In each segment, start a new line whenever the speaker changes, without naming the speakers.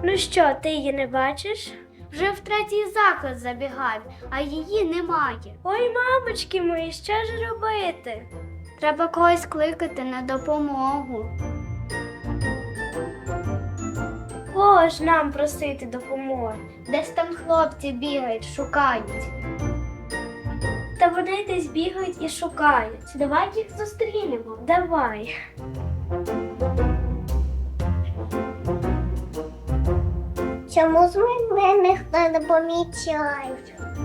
Ну що, ти її не бачиш?
Вже в третій заклад забігав, а її немає.
Ой, мамочки мої, що ж робити?
Треба когось кликати на допомогу.
Кого ж нам просити допомоги?
Десь там хлопці бігають, шукають.
Та вони десь бігають і шукають.
Давай їх зустрінемо.
Давай.
Чому з мене ніхто не помічає?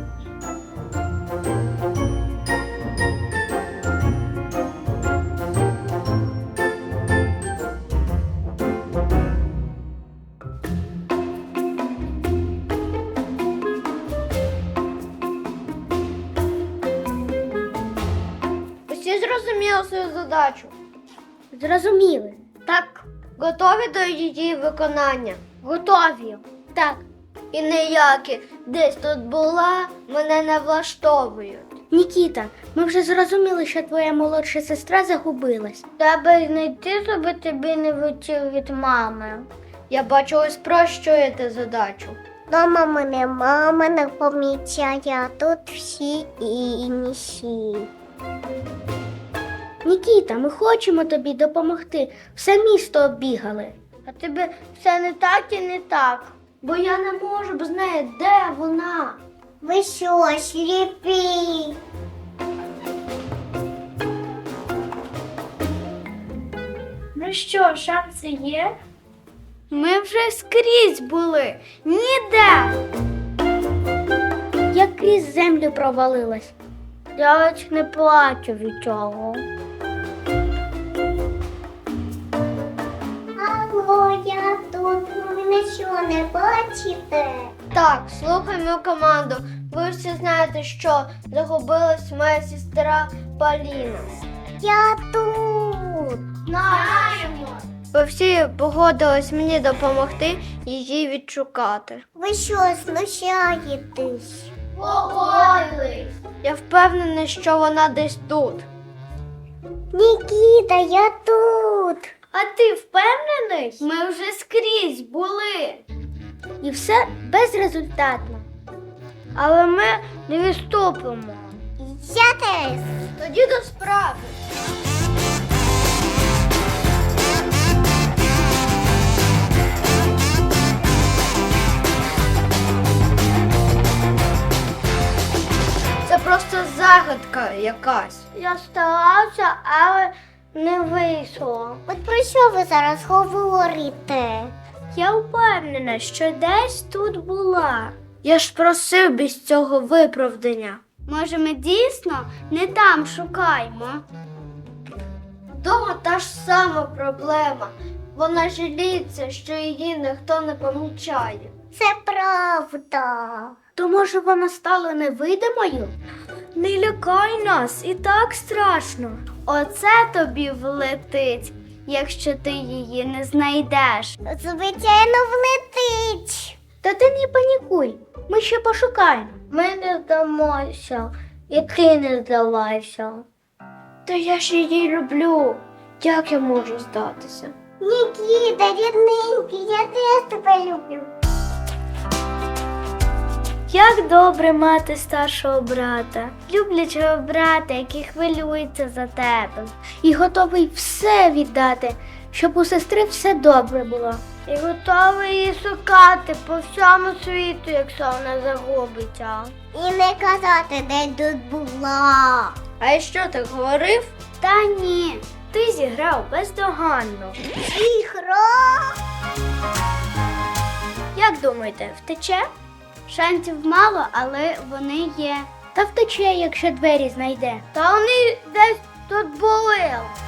Усі зрозуміли свою задачу?
Зрозуміли.
Так. Готові до її виконання?
Готові.
Так. І ніякі десь тут була, мене не влаштовують.
Нікіта, ми вже зрозуміли, що твоя молодша сестра загубилась.
Треба знайти, щоб тобі не витів від мами. Я бачу, ви спрощуєте задачу.
Дома мене мама не помічає, а тут всі інші.
Нікіта, ми хочемо тобі допомогти. Все місто оббігали.
А тебе все не так і не так. Бо я не можу б знати, де вона.
Ви що, сліпі?
Ну що, шанси є?
Ми вже скрізь були. Ніде.
Як крізь землю провалилась.
Я ледь не плачу від цього.
Алло, я тут. Ви мене що, не бачите?
Так, слухай мою команду. Ви всі знаєте, що загубилась моя сестра Поліна.
Я тут.
Знаємо. Ви всі погодились мені допомогти її відшукати.
Ви що, знущаєтесь?
Погодились. Я впевнений, що вона десь тут.
Нікіта, я тут.
А ти впевнений? Ми вже скрізь були.
І все безрезультатно.
Але ми не відступимо.
Я теж.
Тоді до справи. Це просто загадка якась. Я старався, але не вийшло.
От про що ви зараз говорите?
Я впевнена, що десь тут була.
Я ж просив без цього виправдання. Може, ми дійсно не там шукаємо? Дома та ж сама проблема. Вона жаліється, що її ніхто не помічає.
Це правда.
То може вона стала невидимою? Не лякай нас, і так страшно.
Оце тобі влетить, якщо ти її не знайдеш.
Звичайно, влетить.
Та ти не панікуй, ми ще пошукаємо.
Ми не здамося, і ти не здавайся. Та я ж її люблю. Як я можу здатися?
Нікіта, рідненький, я теж тебе люблю.
Як добре мати старшого брата,
Люблячого брата, який хвилюється за тебе.
і готовий все віддати, щоб у сестри все добре було.
І готовий її шукати по всьому світу, якщо вона загубиться.
І не казати, де тут була.
А я що, так говорив?
Та ні, ти зіграв бездоганно.
Ігра.
Як думаєте, втече?
Шансів мало, але вони є.
Та втече, якщо двері знайде.
Та вони десь тут були.